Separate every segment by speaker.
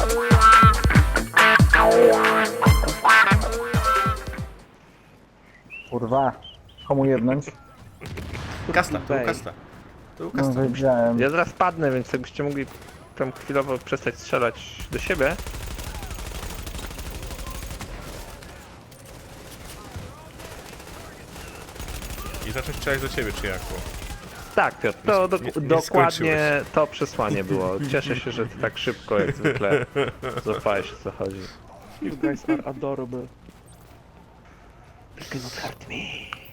Speaker 1: Kurwa, komu jednąć?
Speaker 2: Kasta, to był kasta. To był
Speaker 1: No
Speaker 2: kasta.
Speaker 1: wiedziałem.
Speaker 3: Ja zaraz padnę, więc jakbyście mogli tam chwilowo przestać strzelać do siebie.
Speaker 2: I zacząć strzelać do ciebie, czy jak? Bo...
Speaker 3: Tak, Piotr, to
Speaker 2: nie
Speaker 3: dokładnie
Speaker 2: skończyłeś.
Speaker 3: to przesłanie było. Cieszę się, że ty tak szybko jak zwykle złapałeś, o co chodzi.
Speaker 4: You guys are adorable. You cannot hurt me.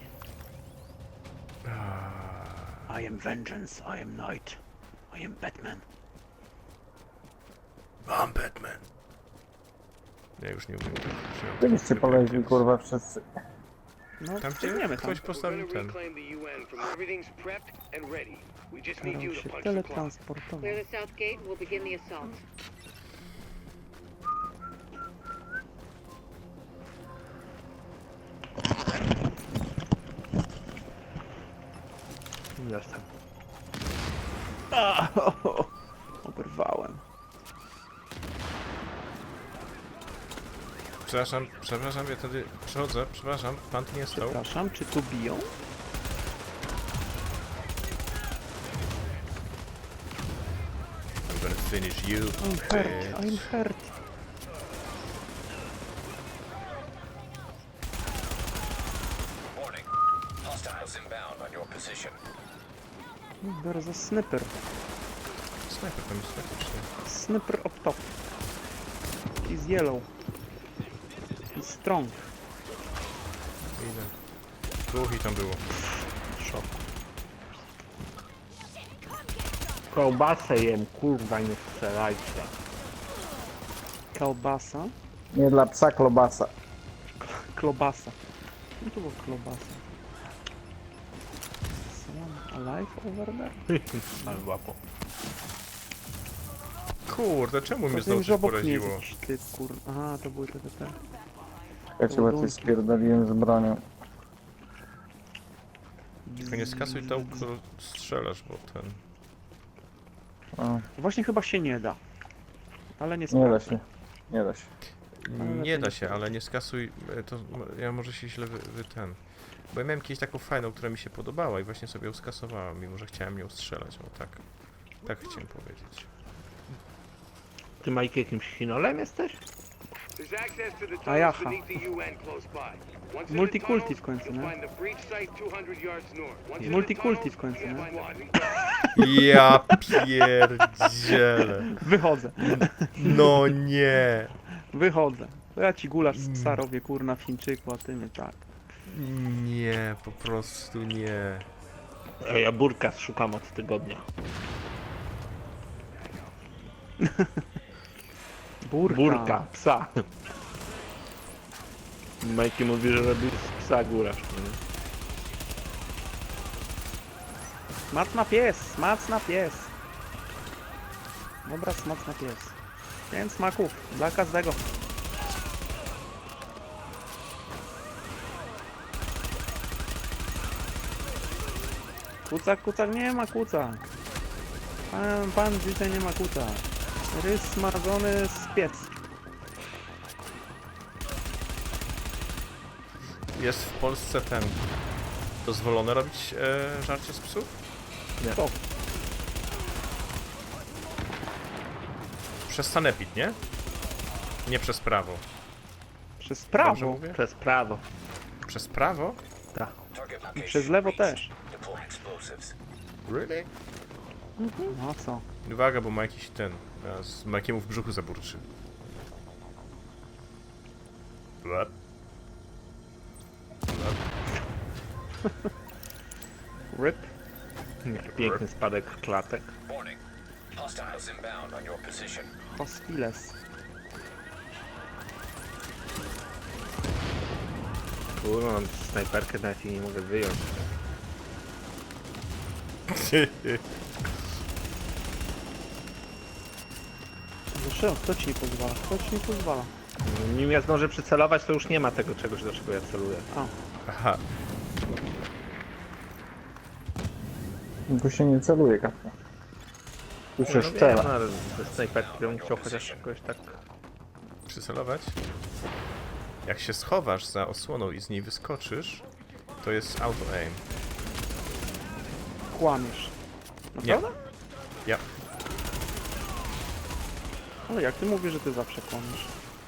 Speaker 4: I am vengeance, I am night. I am Batman.
Speaker 2: Mam Batman. Ja już nie umiem.
Speaker 1: Byliście poleźli, kurwa, wszyscy.
Speaker 4: No,
Speaker 2: Tam gdzie
Speaker 4: biegniemy tam.
Speaker 2: ktoś postawił ten.
Speaker 4: Staram się teletransportować.
Speaker 5: Clear the south gate, we'll begin the assault.
Speaker 3: Jestem.
Speaker 4: Oberwałem.
Speaker 2: Przepraszam, ja wtedy przechodzę, przepraszam, pan tu nie stał.
Speaker 4: Przepraszam, czy tu biją?
Speaker 2: I'm gonna finish you.
Speaker 4: I'm hurt, I'm hurt.
Speaker 6: Warning. Hostiles inbound on your position.
Speaker 4: Biorę za sniper.
Speaker 2: Snajper tam jest faktycznie.
Speaker 4: Sniper up top. He's yellow. He's strong.
Speaker 2: Idę. Dwóch i tam było.
Speaker 3: Szok. Kołbasę jem, kurwa, nie strzelajcie.
Speaker 4: Kalbasa.
Speaker 1: Nie dla psa klobasa.
Speaker 4: Klobasa. No to było klobasa. Someone alive over there?
Speaker 3: Ale łapo.
Speaker 2: Kurde, czemu mnie
Speaker 4: Rozumiem,
Speaker 2: znowu
Speaker 4: że
Speaker 2: coś
Speaker 4: obok mnie jest
Speaker 2: poraziło?
Speaker 4: jakiś typ, kur... Aha, to były te.
Speaker 1: Ja cię łatwiej spierdoliłem z bronią.
Speaker 2: Tylko nie skasuj tą, którą strzelasz, bo ten...
Speaker 1: O,
Speaker 4: Właśnie chyba się nie da. Ale nie
Speaker 1: nie da
Speaker 4: sprawdzę.
Speaker 1: się. Nie da się.
Speaker 2: Nie da się, ale nie skasuj, to ja może się źle ten... Bo ja miałem kiedyś taką fajną, która mi się podobała i właśnie sobie ją skasowałem, mimo że chciałem ją strzelać, o tak. Tak chciałem powiedzieć.
Speaker 3: Ty, Majki, jakimś chinolem jesteś?
Speaker 4: A jaha. Multikulti w końcu, nie? Multikulti w końcu, nie?
Speaker 2: Ja pierdzielę.
Speaker 4: Wychodzę,
Speaker 2: No nie.
Speaker 4: wychodzę. To ja ci gulasz z psa robię, kurna, w Chińczyku, a ty mnie tak.
Speaker 2: Nie, po prostu nie.
Speaker 3: Ja burka szukam od tygodnia. Burka, psa. Majki mówi, że robi z psa gulasz.
Speaker 4: Smacna pies, smacna pies. Dobra, smacna pies. 5 smaków, dla każdego. Kucak, kucak, nie ma kucak. Pan dzisiaj nie ma kucak. Rys smażony z piec.
Speaker 2: Jest w Polsce ten... Dozwolone robić żarcie z psów?
Speaker 4: To.
Speaker 2: Przez sanepid, nie? Nie przez prawo.
Speaker 4: Przez
Speaker 2: Dobrze
Speaker 4: prawo
Speaker 2: mówię?
Speaker 3: Przez prawo.
Speaker 2: Przez prawo?
Speaker 3: Tak.
Speaker 6: Target
Speaker 4: i
Speaker 6: location
Speaker 4: przez lewo
Speaker 6: reached.
Speaker 4: też.
Speaker 6: Deploy explosives.
Speaker 2: Really?
Speaker 4: No co?
Speaker 2: Uwaga, bo ma jakiś ten... Ma jakiemu w brzuchu zaburczy. Blep.
Speaker 4: Rip.
Speaker 3: Nie, piękny spadek klatek.
Speaker 6: Warning. Hostiles inbound on your position.
Speaker 4: Hostiles.
Speaker 3: Kurwa, mam snajperkę, nawet jej nie mogę wyjąć.
Speaker 4: Zresztą, kto ci nie pozwala? Kto ci nie pozwala?
Speaker 3: Nim ja zdążę przycelować, to już nie ma tego czegoś, do czego ja celuję.
Speaker 2: Aha.
Speaker 1: Tu się nie celuje, kapka. Tu
Speaker 3: No
Speaker 1: się
Speaker 3: wiem,
Speaker 1: strzela.
Speaker 3: ale ze snajperki bym chciał chociaż jakoś tak...
Speaker 2: Przycelować? Jak się schowasz za osłoną i z niej wyskoczysz, to jest auto-aim.
Speaker 4: Kłamiesz.
Speaker 2: Nie.
Speaker 4: Naprawdę?
Speaker 2: Ja.
Speaker 4: Ale jak ty mówisz, że ty zawsze kłamiesz?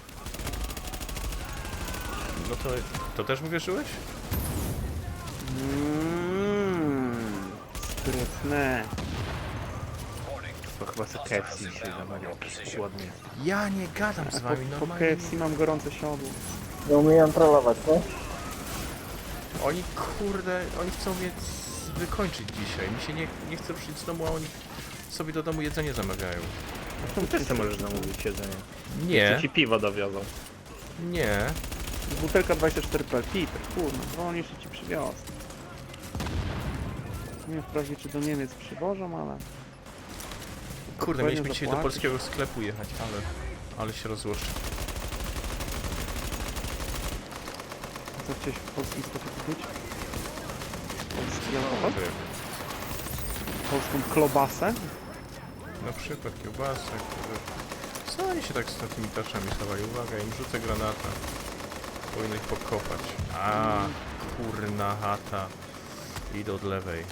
Speaker 2: No to też uwierzyłeś?
Speaker 4: Sprytne.
Speaker 3: To chyba sobie KFC się zamawiał. Ładnie.
Speaker 2: Ja nie gadam z
Speaker 4: A
Speaker 2: wami
Speaker 4: po
Speaker 2: normalnie.
Speaker 4: KFC mam gorące siodło.
Speaker 1: Nie umieją trollować, no?
Speaker 2: Oni kurde, oni chcą mnie wykończyć dzisiaj. Mi się nie chce przyjść z domu, a oni sobie do domu jedzenie zamawiają.
Speaker 3: Ty też sobie możesz zamówić jedzenie.
Speaker 2: Nie,
Speaker 3: Czy ci piwo dowiozą.
Speaker 2: nie.
Speaker 4: Butelka 24p, Peter, kurna, wolniej się ci przywiozę. Nie wiem wprawdzie czy do Niemiec przywożą, ale...
Speaker 2: Kurde,
Speaker 4: Pewnie
Speaker 2: mieliśmy dzisiaj do
Speaker 4: zapłacisz.
Speaker 2: polskiego sklepu jechać, ale się rozłożył.
Speaker 4: Co chciałeś w polskim sklepie kupić? Polski alkohol? Polską klobasę?
Speaker 2: Na przykład kiełbasę, kurde. Co oni się tak z tymi tarczami schowali? Uwaga, im rzucę granata. Powinno ich pokopać. A, kurna chata. Idę od lewej.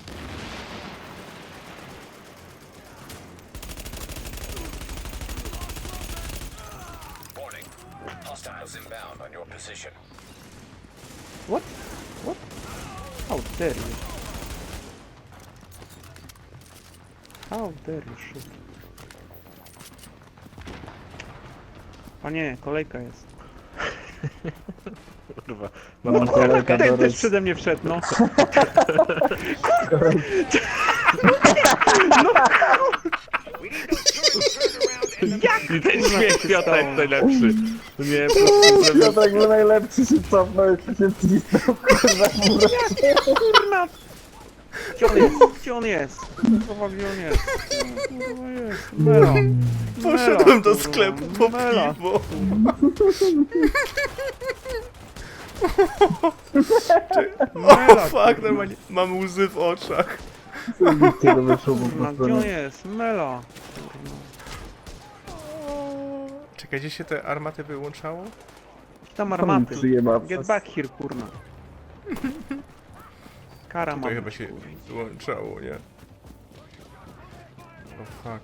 Speaker 6: Warning. Hostiles inbound on your position.
Speaker 4: What? What? How dare you? How dare you shoot? Panie, kolejka jest.
Speaker 3: Kurwa.
Speaker 1: Mam kolejkę do
Speaker 4: Ten też
Speaker 1: roz...
Speaker 4: przede mnie wszedł, no.
Speaker 3: I ten śmiech
Speaker 4: się
Speaker 3: Piota
Speaker 4: stało?
Speaker 3: jest najlepszy. Nie, po prostu
Speaker 1: No tak był najlepszy, się cofnął i się wcisnął, kurwa, w murę.
Speaker 4: Kurna! Gdzie on jest? Gdzie on jest? Kurwa, gdzie on jest? Kurwa jest. Mela.
Speaker 2: Poszedłem do
Speaker 4: kurwa,
Speaker 2: sklepu po
Speaker 4: Mela.
Speaker 2: piwo.
Speaker 4: Mela,
Speaker 2: O fuck, normalnie mam łzy w oczach.
Speaker 1: Zajebiście to wyszło po
Speaker 4: kurwa,
Speaker 1: prostu.
Speaker 4: gdzie on
Speaker 1: nie?
Speaker 4: jest? Mela. Kurwa.
Speaker 2: Czekaj, gdzie się te armaty wyłączało?
Speaker 4: Tam
Speaker 1: Tam
Speaker 4: armaty.
Speaker 1: przyjeba.
Speaker 4: Get back here, kurna. Kara
Speaker 2: Tutaj
Speaker 4: mam.
Speaker 2: chyba się wyłączało, nie? O fuck.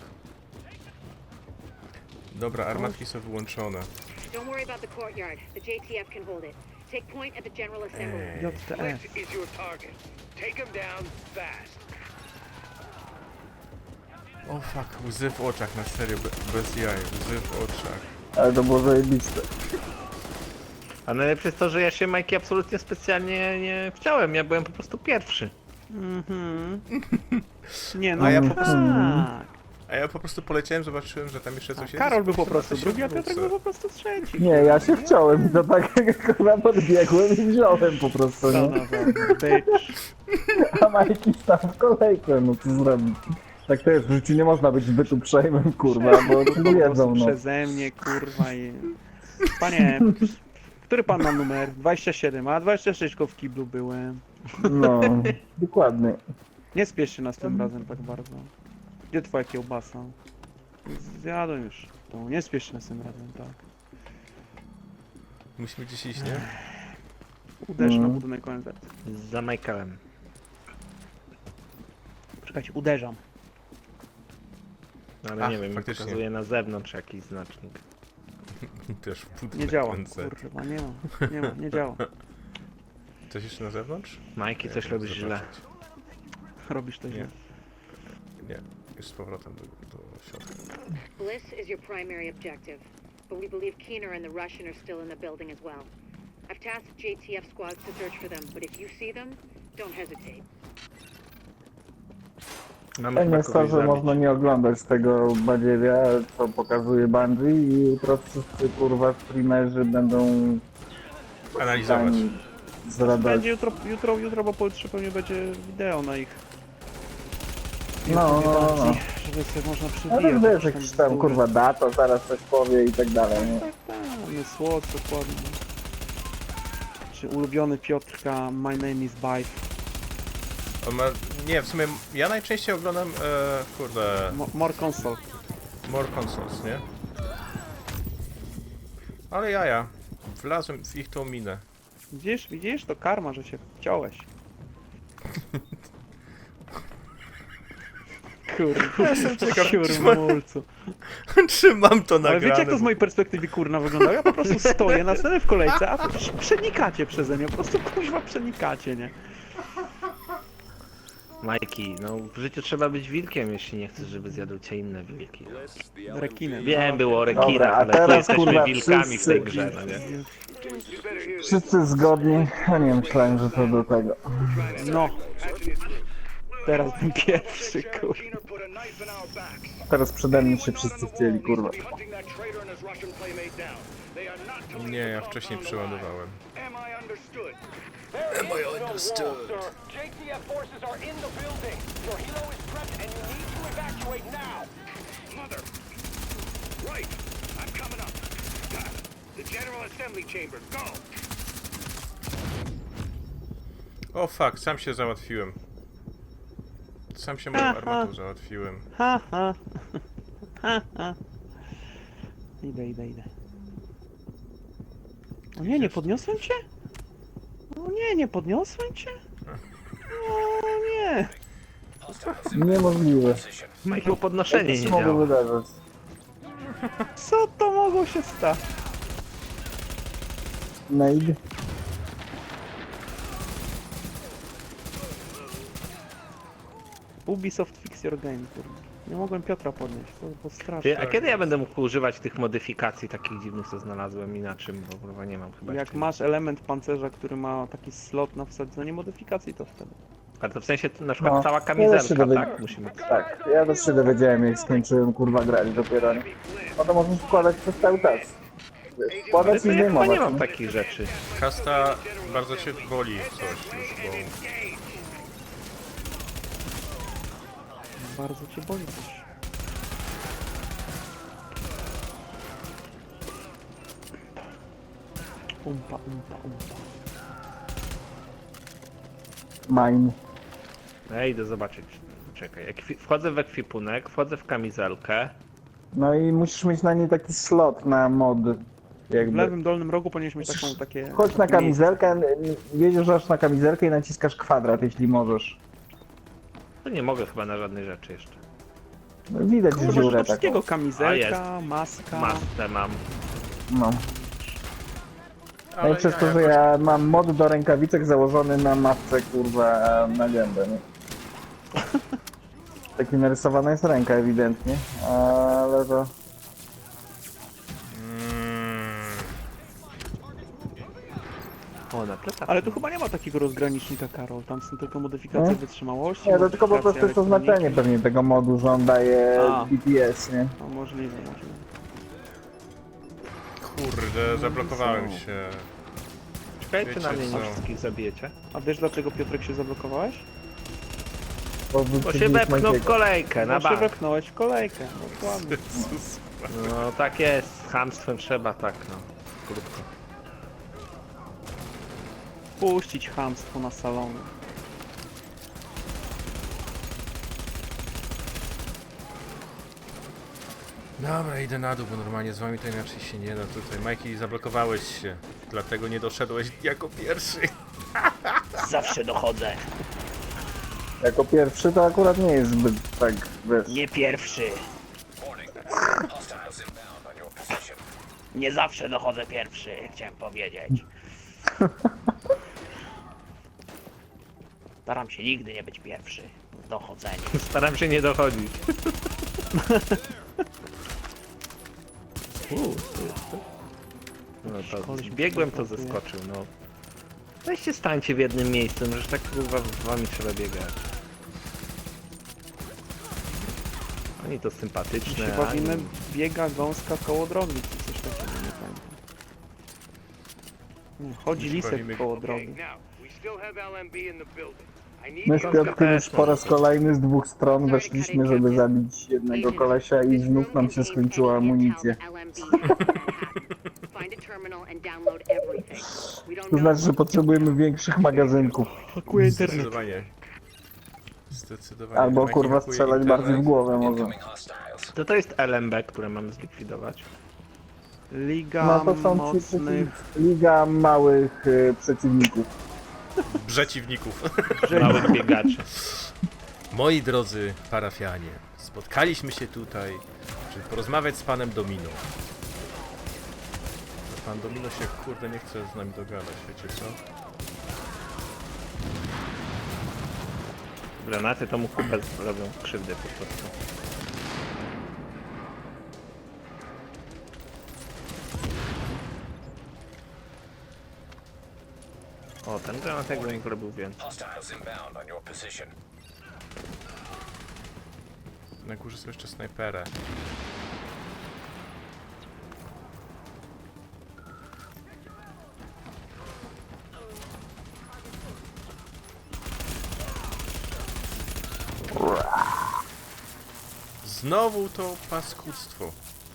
Speaker 2: Dobra, armatki są wyłączone.
Speaker 5: Don't worry about the courtyard. The JTF can hold it. Take point at the General Assembly.
Speaker 4: JTF.
Speaker 6: is your target. Take him down fast.
Speaker 2: O fuck, łzy w oczach, na serio, bez jaj, łzy w oczach.
Speaker 1: Ale to było zajebiste.
Speaker 3: A najlepsze jest to, że ja się Majki absolutnie specjalnie nie chciałem. Ja byłem po prostu pierwszy.
Speaker 4: Mhm. Nie no,
Speaker 2: A ja po prostu-
Speaker 4: tak.
Speaker 2: A ja po prostu poleciałem, zobaczyłem, że tam jeszcze coś jest.
Speaker 4: Karol był po prostu
Speaker 2: to się
Speaker 4: drugi, a Piotrek
Speaker 2: wrócę.
Speaker 4: był po prostu trzeci.
Speaker 1: Nie, ja się wciąłem i to tak kurwa podbiegłem i wziąłem po prostu,
Speaker 4: Co
Speaker 1: nie?
Speaker 4: na za bitch.
Speaker 1: A Majki stał w kolejkę, no co zrobić? Tak to jest, w życiu nie można być zbyt uprzejmym, kurwa, bo to jedzą, no.
Speaker 4: Przeze mnie, kurwa i... Panie, który pan ma numer? 27, a 26 w kiblu byłem.
Speaker 1: No, dokładnie.
Speaker 4: Nie spiesz się nas tym razem tak bardzo. Gdzie twoja kiełbasa? Zjadłem już. To nie spiesz się nas tym razem, tak.
Speaker 2: Musimy gdzieś iść, nie?
Speaker 4: Uderz na budynek ONZ.
Speaker 3: Za Michaelem.
Speaker 4: Czekajcie, uderzam.
Speaker 3: Ale
Speaker 2: Ach,
Speaker 3: nie wiem,
Speaker 2: faktycznie.
Speaker 3: pokazuje na zewnątrz jakiś znacznik.
Speaker 2: Też w
Speaker 4: Nie
Speaker 2: budynek
Speaker 4: działa,
Speaker 2: NZ.
Speaker 4: kurwa, nie działa.
Speaker 2: Coś jeszcze na zewnątrz?
Speaker 3: Majki, coś
Speaker 2: Nie,
Speaker 3: robisz
Speaker 2: muszę
Speaker 3: źle.
Speaker 2: zobaczyć.
Speaker 4: Robisz to
Speaker 2: Nie.
Speaker 4: źle.
Speaker 2: Nie, już z powrotem do środka.
Speaker 5: Bliss is your primary objective, but we believe Keener and the Russian are still in the building as well. I've tasked JTF squads to search for them, but if you see them, don't hesitate.
Speaker 3: Mamy
Speaker 1: Fajnie
Speaker 3: chyba
Speaker 1: jest to,
Speaker 3: kogoś
Speaker 1: że
Speaker 3: zabić.
Speaker 1: można nie oglądać tego badziewia, co pokazuje Bungie i jutro wszyscy kurwa streamerzy będą
Speaker 2: Analizować.
Speaker 1: tam zradać.
Speaker 4: Będzie jutro, bo pojutrze pewnie będzie wideo na ich
Speaker 1: No,
Speaker 4: YouTubie, żeby sobie można
Speaker 1: Ale
Speaker 4: przywijać.
Speaker 1: wiesz, jakiś tam kurwa data, zaraz coś powie i tak dalej, nie?
Speaker 4: Tak, słod, dokładnie. Czy ulubiony Piotrka, my name is Bife.
Speaker 2: On ma... Nie, w sumie ja najczęściej oglądam, kurde,
Speaker 4: More console.
Speaker 2: More Consoles, nie? Ale jaja, wlazłem w ich tą minę.
Speaker 4: Widzisz? To karma, że się wciąłeś.
Speaker 2: Jestem ciekaw, czy ma-
Speaker 4: Kurmulcu.
Speaker 2: Czy mam to
Speaker 4: Ale
Speaker 2: nagrane?
Speaker 4: wiecie jak to z mojej perspektywy kurna wygląda? Ja po prostu stoję, następny w kolejce, a wy przenikacie przeze mnie, po prostu kuźwa przenikacie, nie?
Speaker 3: Majki, no w życiu trzeba być wilkiem, jeśli nie chcesz, żeby zjadł cię inne wilki.
Speaker 4: Rekinem.
Speaker 3: Wiem, było o
Speaker 1: Dobra,
Speaker 3: rekinach,
Speaker 1: a
Speaker 3: ale tu
Speaker 1: teraz,
Speaker 3: jesteśmy
Speaker 1: kurwa,
Speaker 3: wilkami w tej
Speaker 1: wszyscy-
Speaker 3: grze, no nie?
Speaker 1: Wszyscy zgodni? Ja nie myślałem, że to do tego.
Speaker 4: No. Teraz bym pierwszy, kurwa.
Speaker 1: Teraz przede mnie się wszyscy chcieli, kurwa.
Speaker 2: Nie, ja wcześniej przeładowałem.
Speaker 6: JTF forces are in the building. Your helo is prepped and you need to evacuate now. Mother. Right. I'm coming up. The General Assembly Chamber. Go.
Speaker 2: O fuck, sam się załatwiłem. Sam się moją armatą załatwiłem.
Speaker 4: Ha, ha. Ha, ha. Idę. O nie podniosłem cię? O nie podniosłem cię? O nie.
Speaker 1: Niemożliwe.
Speaker 3: Majku, podnoszenie nie
Speaker 1: Co mogło
Speaker 3: działa.
Speaker 1: wydarzyć?
Speaker 4: Co to mogło się stać?
Speaker 1: Nade?
Speaker 4: Ubisoft Fix Your Game, kurwa. Nie mogłem Piotra podnieść, to
Speaker 3: Ty,
Speaker 4: straszne.
Speaker 3: a kiedy ja będę mógł używać tych modyfikacji takich dziwnych, co znalazłem i na czym, bo kurwa nie mam chyba
Speaker 4: Jak
Speaker 3: jeszcze.
Speaker 4: masz element pancerza, który ma taki slot na wsadzenie modyfikacji, to wtedy.
Speaker 3: A to w sensie to na przykład
Speaker 1: No,
Speaker 3: cała
Speaker 1: ja też się
Speaker 3: kamizelka,
Speaker 1: dowiedziałem.
Speaker 3: tak? Musimy.
Speaker 1: Tak, ja też się dowiedziałem, jak skończyłem, kurwa, grać dopiero, nie? No to możesz wkładać przez cały czas. Wiesz, wkładać
Speaker 3: To
Speaker 1: i
Speaker 3: ja chyba
Speaker 1: zdejmować,
Speaker 3: nie mam
Speaker 1: nie?
Speaker 3: takich rzeczy.
Speaker 2: Kasta bardzo cię boli coś już, bo...
Speaker 4: Bardzo cię boli też. Umpa.
Speaker 1: Mine.
Speaker 3: Ja idę zobaczyć. Czekaj, wchodzę w ekwipunek, wchodzę w kamizelkę.
Speaker 1: No i musisz mieć na niej taki slot na mod.
Speaker 4: W
Speaker 1: Jakby.
Speaker 4: lewym dolnym rogu powinieneś mieć takie...
Speaker 1: Chodź na
Speaker 4: takie
Speaker 1: kamizelkę, wiedziesz aż na kamizelkę i naciskasz kwadrat, jeśli możesz.
Speaker 3: To nie mogę chyba na żadnej rzeczy jeszcze.
Speaker 1: No, widać
Speaker 4: miejsce. Możesz do
Speaker 1: dziurę taką.
Speaker 4: wszystkiego,
Speaker 3: A,
Speaker 4: kamizelka, maska...
Speaker 3: Maskę mam.
Speaker 1: No. No i
Speaker 2: Ale
Speaker 1: przez to,
Speaker 2: ja
Speaker 1: że
Speaker 2: jakoś-
Speaker 1: ja mam mod do rękawicek założony na matce, kurwa, na gębę, nie? Taki narysowana jest ręka ewidentnie, ale to...
Speaker 3: O, na plecach.
Speaker 4: Ale tu chyba nie ma takiego rozgranicznika, Karol. Tam są tylko modyfikacje
Speaker 1: Nie?
Speaker 4: wytrzymałości.
Speaker 1: Nie, to tylko po prostu jest
Speaker 4: modyfikacje
Speaker 1: oznaczenie
Speaker 4: elektroniki.
Speaker 1: pewnie tego modu, że on daje
Speaker 4: A.
Speaker 1: DPS, nie?
Speaker 4: No, możliwe.
Speaker 2: Kurde, zablokowałem się.
Speaker 3: Czekajcie na
Speaker 2: Wiecie
Speaker 3: mnie,
Speaker 2: co?
Speaker 3: nie wszystkich zabijecie.
Speaker 4: A wiesz dlaczego, Piotrek, się zablokowałeś?
Speaker 3: Bo się wepchnął w kolejkę, na
Speaker 4: Bo się
Speaker 3: bank.
Speaker 4: wepchnąłeś w kolejkę. Dokładnie.
Speaker 2: Jezus.
Speaker 3: No tak jest, z chamstwem trzeba tak, no. Krótko.
Speaker 4: Puścić chamstwo na salony.
Speaker 2: Dobra, idę na dół, bo normalnie z wami to inaczej się nie da tutaj. Majki, zablokowałeś się, dlatego nie doszedłeś jako pierwszy.
Speaker 7: Zawsze dochodzę.
Speaker 1: Jako pierwszy to akurat nie jest zbyt tak, wiesz...
Speaker 7: Nie pierwszy.
Speaker 6: Warning. Hostiles inbound on your position.
Speaker 7: Nie zawsze dochodzę pierwszy, chciałem powiedzieć. Staram się nigdy nie być pierwszy w dochodzeniu.
Speaker 3: Staram się nie dochodzić. No to biegłem, to zeskoczył, no. Weźcie stańcie w jednym miejscu, no że tak kurwa z wami trzeba biegać. Oni to
Speaker 4: My
Speaker 3: sympatyczne,
Speaker 4: się
Speaker 3: a
Speaker 4: bawimy
Speaker 3: oni-
Speaker 4: biega gąska koło drogi, czy coś takiego, nie pamiętam. Nie, chodzi lisek
Speaker 2: bawimy-
Speaker 4: koło drogi.
Speaker 1: My z Piotrkiem już po raz kolejny z dwóch stron weszliśmy, żeby zabić jednego kolesia i znów nam się skończyła amunicja. To znaczy, że potrzebujemy większych magazynków.
Speaker 4: Pakuje internet.
Speaker 2: Zdecydowanie. Zdecydowanie.
Speaker 1: Albo
Speaker 2: Jaki
Speaker 1: kurwa
Speaker 2: hakuje
Speaker 1: strzelać
Speaker 2: internet.
Speaker 1: bardziej w głowę może.
Speaker 3: To jest LMB, które mamy zlikwidować.
Speaker 4: Liga
Speaker 1: No to są ci
Speaker 4: mocnych...
Speaker 1: liga małych przeciwników.
Speaker 2: Przeciwników.
Speaker 3: Małych biegaczy.
Speaker 2: Moi drodzy parafianie, spotkaliśmy się tutaj, żeby porozmawiać z panem Domino. Pan Domino się kurde nie chce z nami dogadać, wiecie co?
Speaker 3: Granaty to mu kupę robią krzywdę po prostu. O, ten granat jakby mi robił więcej.
Speaker 6: Hostiles inbound on your position.
Speaker 2: Na górze są jeszcze snajpery. Znowu to paskudztwo.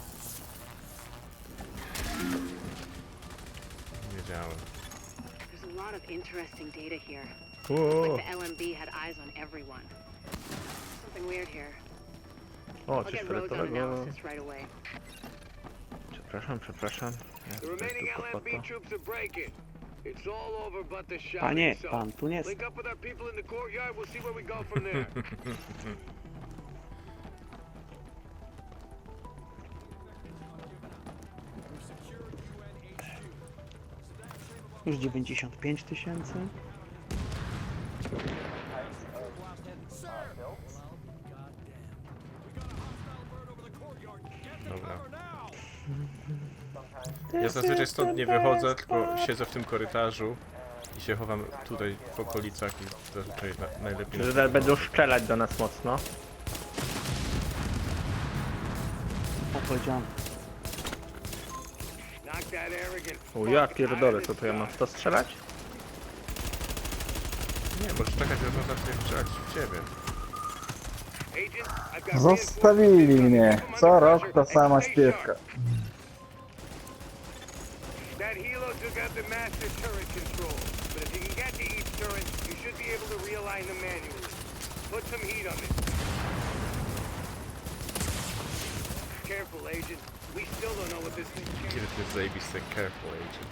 Speaker 2: Wiedziałem.
Speaker 5: There's a lot of interesting data here.
Speaker 3: O,
Speaker 5: Like the LMB had eyes on everyone. Something weird here.
Speaker 3: o
Speaker 5: I'll
Speaker 3: coś
Speaker 5: get Rhodes on
Speaker 3: fioletowego.
Speaker 5: analysis right away.
Speaker 3: Przepraszam. Ja
Speaker 6: The
Speaker 3: tutaj
Speaker 6: remaining
Speaker 3: tylko po
Speaker 6: LMB
Speaker 3: to.
Speaker 6: troops are breaking. It's all over but the shot
Speaker 4: Panie,
Speaker 6: itself.
Speaker 4: pan tu nie
Speaker 6: Link up with our people in the courtyard. We'll see where we go from there.
Speaker 4: Już 95 tysięcy.
Speaker 2: Dobra. Ja zazwyczaj stąd nie wychodzę, tylko siedzę w tym korytarzu i się chowam tutaj w okolicach i zazwyczaj najlepiej...
Speaker 3: Że zaraz będą strzelać do nas mocno.
Speaker 4: Opowiedziałem.
Speaker 6: Knock that arrogant
Speaker 3: O ja
Speaker 6: fuck
Speaker 3: pierdolę,
Speaker 6: out
Speaker 3: co
Speaker 6: of
Speaker 3: to ja mam
Speaker 6: this
Speaker 3: w to strzelać?
Speaker 2: Nie, możesz czekać, że to zacznie strzelać w ciebie.
Speaker 6: Agent, I've got
Speaker 1: Zostawili mnie. Co rok ta sama śpiewka.
Speaker 6: That helo took out the master turret control, but if you can get to each turret, you should be able to realign them manually. Put some heat on it. Careful, Agent. We still don't know what this thing can
Speaker 2: Kiedy to jest zajebiste, careful agent.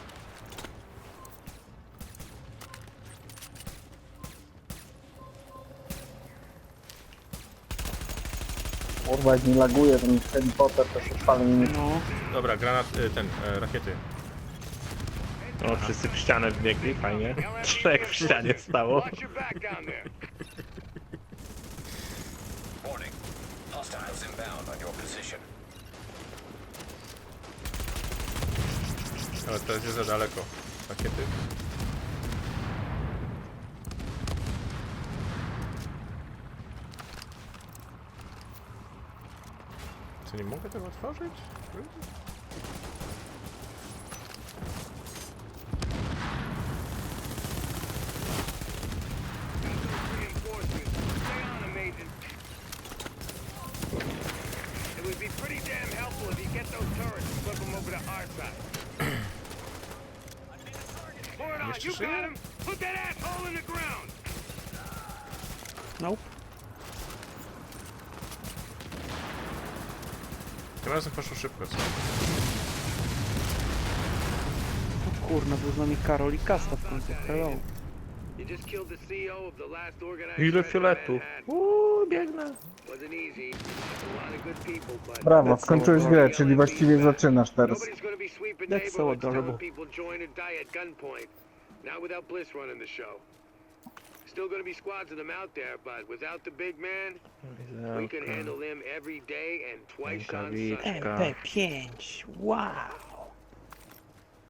Speaker 1: Kurwa, jak mi laguje ten helikopter, to się pali mi.
Speaker 4: No,
Speaker 2: Dobra, granat, rakiety.
Speaker 3: O, wszyscy w ścianę wbiegli, fajnie. Trzech w ścianie stało.
Speaker 6: Watch your back down there. Warning. Hostiles inbound on your position.
Speaker 2: Ale teraz jest za daleko. Rakiety. Co, nie mogę tego otworzyć?
Speaker 6: Reinforcements. Stay on them, Agent. It would be pretty damn helpful if you get those turrets and flip them over to our side. Pour it on.
Speaker 2: Jeszcze
Speaker 6: You
Speaker 2: żyje?
Speaker 6: got him. Put that asshole in the ground.
Speaker 4: nope.
Speaker 2: Tym razem poszło szybko, co?
Speaker 4: O kurna, był z nami Karol i Kasta w końcu. Hello.
Speaker 6: You just killed the CEO of the last organized
Speaker 3: Ile
Speaker 6: threat in
Speaker 3: fioletów?
Speaker 6: Manhattan.
Speaker 3: Biegnę.
Speaker 6: Wasn't easy. A lot of good people, but
Speaker 1: Brawo, skończyłeś grę, czyli właściwie zaczynasz teraz.
Speaker 6: nobody's gonna be sweeping
Speaker 4: That's so
Speaker 6: neighborhoods telling
Speaker 4: adorable.
Speaker 6: people join or die at gunpoint. Not without Bliss running the show. Still gonna be squads of them out there, but without the big man, we can handle them every day and twice on Sunday.
Speaker 3: Rękawiczka.
Speaker 4: MP5, wow.